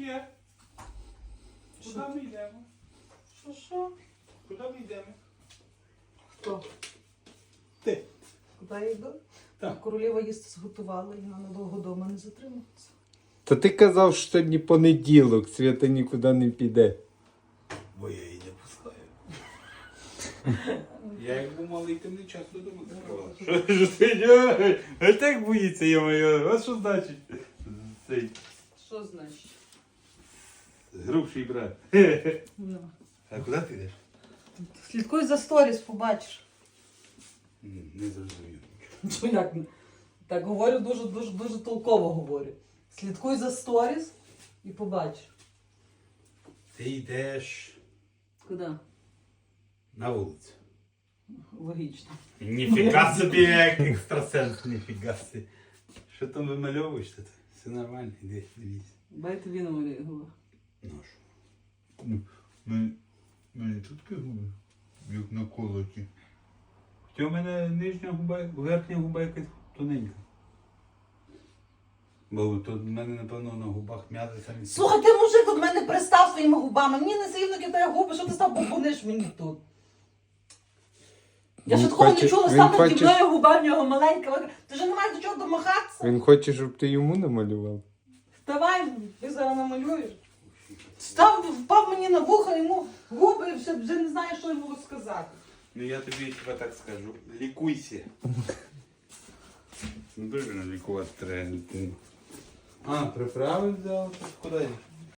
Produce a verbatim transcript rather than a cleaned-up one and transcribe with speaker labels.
Speaker 1: є? Куди ми йдемо?
Speaker 2: Що, що?
Speaker 1: Куди ми йдемо?
Speaker 2: Хто?
Speaker 1: Ти.
Speaker 2: Куди я йду?
Speaker 1: Так.
Speaker 2: Королева їсти зготувала і вона надовго вдома не затримується.
Speaker 3: Та ти казав, що сьогодні понеділок, Свята нікуди не піде.
Speaker 1: Бо я її не пускаю. Я як був малий, ти не часто додому закривала.
Speaker 4: Що ж ти? А так боїться, я моя. А що значить? Цей
Speaker 2: Що значить?
Speaker 4: грубший брат.
Speaker 2: Ну.
Speaker 4: А куди ти йдеш?
Speaker 2: Слідкуй за сторіс, побачиш.
Speaker 4: М, Не зрозумів.
Speaker 2: Що як? Так говорю дуже дуже дуже толково говорю. Слідкуй за сторіс і побачиш.
Speaker 4: Ти йдеш
Speaker 2: Куди?
Speaker 4: на вулицю.
Speaker 2: Логічно.
Speaker 4: Ніфіга собі, як екстрасенс, ніфіга собі. Що там вимальовуєш тут? Все нормально, іди, дивись.
Speaker 2: Дай тобі намалюю губи.
Speaker 4: Ну що? Ну, ми, мене тут губи, як на колоті. Хоча у мене нижня губа, верхня губа якась тоненька. Бо тут в мене, напевно, на губах м'язи самі.
Speaker 2: Слухай, ти мужик від мене пристав своїми губами. Мені не сильно кидає губи, що ти став бубониш мені тут. Я
Speaker 3: Він
Speaker 2: ще такого не
Speaker 3: хоче-
Speaker 2: чула,
Speaker 3: він
Speaker 2: став наді
Speaker 3: хоче-
Speaker 2: мною губа в нього маленька. Ти вже не маєш до чого домахатися.
Speaker 3: Він хоче, щоб ти йому намалював.
Speaker 2: Давай, ти зараз намалюєш. Став, впав мені на вухо, йому губи, вже, вже не знаю, що йому сказати.
Speaker 4: Ну я тобі хіба так скажу. Лікуйся. Дуже лікувати треба. А, приправи взяв? Куди йдеш?